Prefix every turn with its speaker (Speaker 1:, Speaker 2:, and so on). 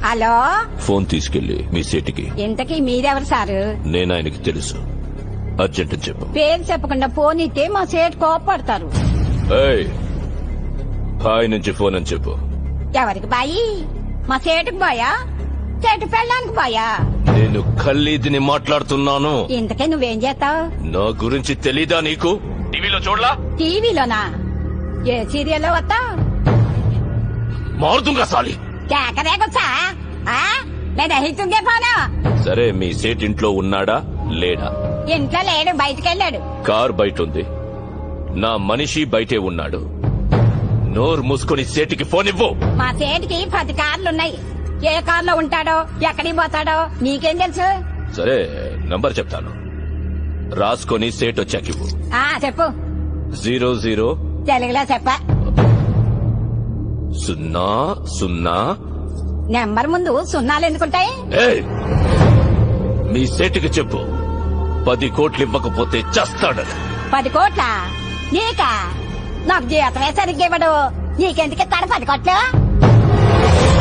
Speaker 1: Hello,
Speaker 2: phone తీసుకెళ్లి మీ సేటికి.
Speaker 1: ఇంతకీ మీరెవరు సారు?
Speaker 2: నేను ఆయనకి తెలుసు. అర్జెంట్ అని చెప్పు.
Speaker 1: పేరు చెప్పకుండా ఫోన్ ఇస్తే మా సేటు కోపడతారు.
Speaker 2: ఏయ్, బాయ్ నుంచి ఫోన్ అని చెప్పు.
Speaker 1: ఎవరికి బాయి? మా సేటుకు బాయా? సేటు పెళ్ళానికి బాయా?
Speaker 2: నేను ఖల్లీదిని మాట్లాడుతున్నాను.
Speaker 1: ఇంతకే నువ్వేం చేస్తావు?
Speaker 2: నా గురించి తెలీదా నీకు? టీవీలో చూడలా?
Speaker 1: టీవీలోనా? ఏ సీరియల్లో వస్తావు?
Speaker 2: మారుతుంగా సాలి.
Speaker 1: కేకరేకొచ్చా? లేదా హితుంగే పోనా?
Speaker 2: సరే, మీ సేట్ ఇంట్లో ఉన్నాడా లేడా?
Speaker 1: ఇంట్లో లేడు, బయటకెళ్ళాడు.
Speaker 2: కార్ బయట ఉంది. నా మనిషి బయటే ఉన్నాడు. నోరు మూసుకొని సేటికి ఫోన్ ఇవ్వు.
Speaker 1: మా సేటికి 10 కార్లున్నాయి. ఏ కార్లో ఉంటాడో, ఎక్కడికి పోతాడో నీకేం తెలుసు?
Speaker 2: సరే, నంబర్ చెప్తాను, రాసుకొని సేట్ వచ్చాకివ్వు.
Speaker 1: చెప్పు.
Speaker 2: 00
Speaker 1: తెలుగులో చెప్ప.
Speaker 2: 00.
Speaker 1: నెంబర్ ముందు సున్నాలు ఎందుకుంటాయి?
Speaker 2: ఏయ్, మీ సేటుకి చెప్పు 10 కోట్లు ఇవ్వకపోతే చస్తాడని.
Speaker 1: 10 కోట్ల? నీకా? నాకు జీతమే సరిగ్గా ఇవ్వడు. నీకెందుకు ఇస్తాడు 10 కోట్లు?